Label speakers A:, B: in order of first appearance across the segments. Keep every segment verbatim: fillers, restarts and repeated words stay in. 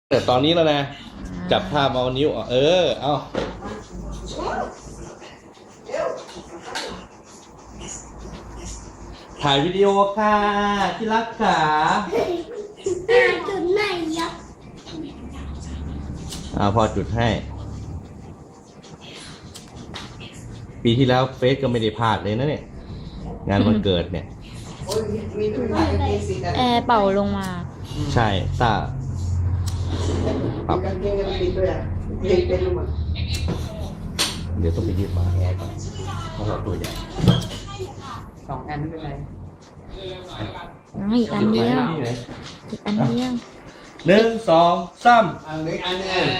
A: แต่ตอนนี้แล้วนะจับภาพเอานิ้วเออเอาถ่ายวิดีโอค่ะที่รักขา
B: จุดไหนยับ
A: อ่าพอจุดให้ ปีที่แล้วเฟซก็ไม่ได้พลาดเลยนะเนี่ยงานวันเกิดเนี่ย
C: แอร์เป่าลงมา
A: ใช่ตาปรับเดี๋ยวต้องไปยืดฝาแอร์ก่อนเพราะเราตัวใหญ่
D: สองอันไม่เป็นไร
C: อีกอันเดียวอีกอันเดียว
A: หนึ่งสองสาม
D: อันนึงอันนึง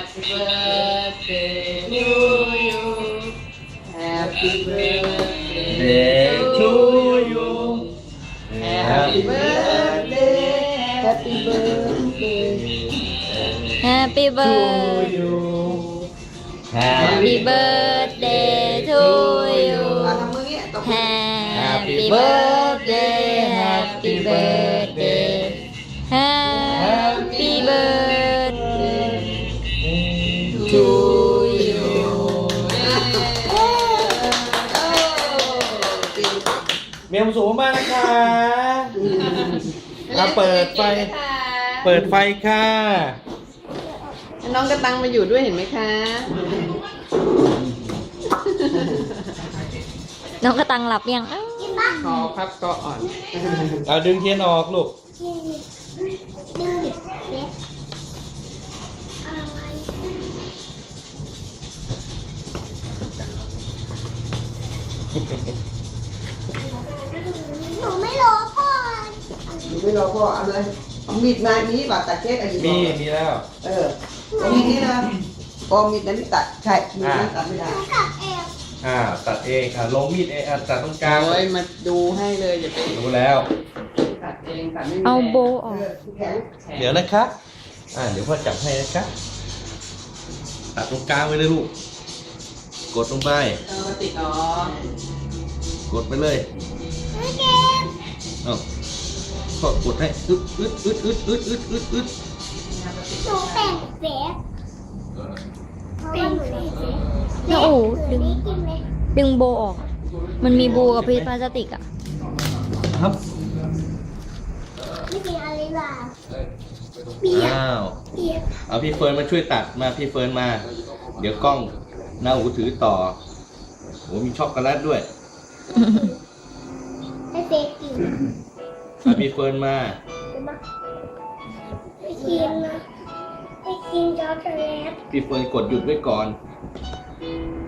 D: Happy birthday to you Happy birthday Happy birthday
C: Happy birthday Happy birthday to you Happy birthday Happy birthday Happy birthday to you
A: เมียมสูงมากนะคะมาเปิดไฟเปิดไฟค่ะ
D: น้องกระตังมาอยู่ด้วยเห็นไหมคะ
C: น้องกระตังหลับยัง
D: คอพับก็อ่อน
A: เอาดึงเทียนออกลูก
B: ดึงเล็กอะไรหนูไม่รอพ่อ
D: หนูไม่รอพ่อเอาเลยเอามีดมานี้บาดตัดเค้กอะไรอยู่
A: มีมีแล้ว
D: เออเอามีดนี้นะพอมีดนั้นตัดใช่มีดนั้นตัดไม่ได้
B: ตัดเอง
A: อ่าตัดเองอ่าลงมีดเองอ่าตัดตรงกลาง
D: โอ้ยมาดูให้เลยอย่าไป
A: ดูแล้ว
D: ตัดเองตัดไม่มี
C: เอาโบออก
A: เดี๋ยวนะคะอ่าเดี๋ยวพ่อจับให้นะคะตัดตรงกลางไว้เลยลูกกดลงไป
D: เออมาติดอ๋อก
A: ดไปเลยเอ้าพ่อกดให้อึดอึดอึดอึดอึดอึดอึดอึด
B: หนูแต่งเฟซเป็นเฟซ
C: แล้วโอ้ดึงดึงโบออก มันมีโบกับพลาสติกอ่ะ
A: ครับ
B: ไม่มีอะไรหรอเบียร์
A: อ้าว
B: เบียร์
A: เอาพี่เฟิร์นมาช่วยตัดมาพี่เฟิร์นมาเดี๋ยวกล้องหน้าหูถือต่อโหมีช็อกโกแลตด้วย
B: ให้เฟซกิน
A: เอาพี่เฟิร์นมา
B: ไปกินนะไปกินช็อกโกแลต
A: พี่เฟิร์นกดหยุดไว้ก่อน